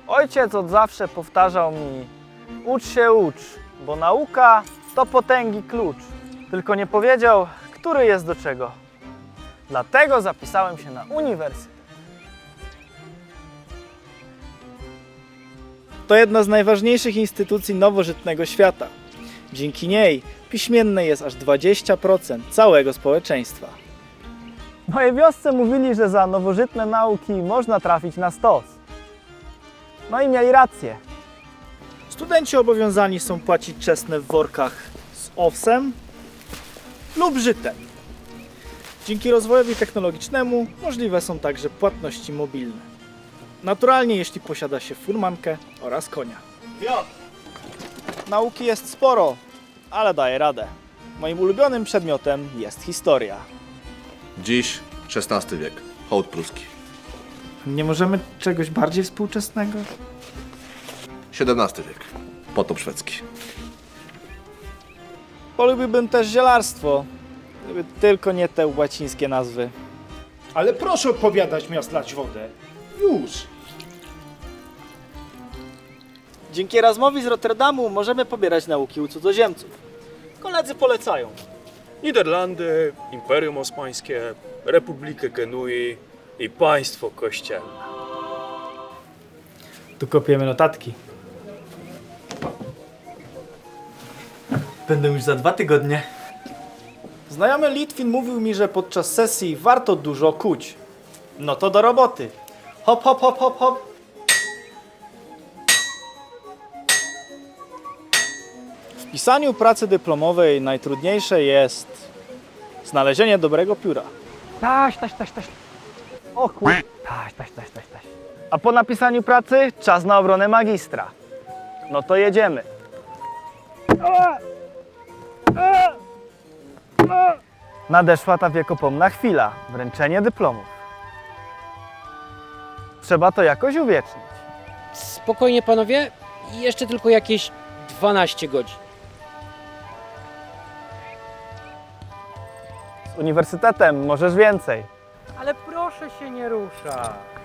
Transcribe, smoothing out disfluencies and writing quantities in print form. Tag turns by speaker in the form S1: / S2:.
S1: Ojciec od zawsze powtarzał mi: ucz się, ucz, bo nauka to potęgi klucz. Tylko nie powiedział, który jest do czego. Dlatego zapisałem się na uniwersytet. To jedna z najważniejszych instytucji nowożytnego świata. Dzięki niej piśmienne jest aż 20% całego społeczeństwa. W mojej wiosce mówili, że za nowożytne nauki można trafić na stos. No i mieli rację. Studenci obowiązani są płacić czesne w workach z owsem lub żytem. Dzięki rozwojowi technologicznemu możliwe są także płatności mobilne. Naturalnie, jeśli posiada się furmankę oraz konia. Nauki jest sporo, ale daję radę. Moim ulubionym przedmiotem jest historia.
S2: Dziś XVI wiek, hołd pruski.
S1: Nie możemy czegoś bardziej współczesnego?
S2: XVII wiek, potop szwedzki.
S1: Polubiłbym też zielarstwo, gdyby tylko nie te łacińskie nazwy.
S3: Ale proszę odpowiadać, miast lać wodę. Już.
S1: Dzięki Erasmowi z Rotterdamu możemy pobierać nauki u cudzoziemców. Koledzy polecają.
S4: Niderlandy, Imperium Osmańskie, Republikę Genui i państwo kościelne.
S1: Tu kopiemy notatki. Będę już za 2 tygodnie. Znajomy Litwin mówił mi, że podczas sesji warto dużo kuć. No to do roboty. Hop, hop, hop, hop, hop. W pisaniu pracy dyplomowej najtrudniejsze jest znalezienie dobrego pióra. Taś. O kur... Taś. A po napisaniu pracy czas na obronę magistra. No to jedziemy. Nadeszła ta wiekopomna chwila. Wręczenie dyplomów. Trzeba to jakoś uwiecznić.
S5: Spokojnie panowie, jeszcze tylko jakieś 12 godzin.
S1: Z uniwersytetem możesz więcej.
S5: Ale proszę się nie ruszać.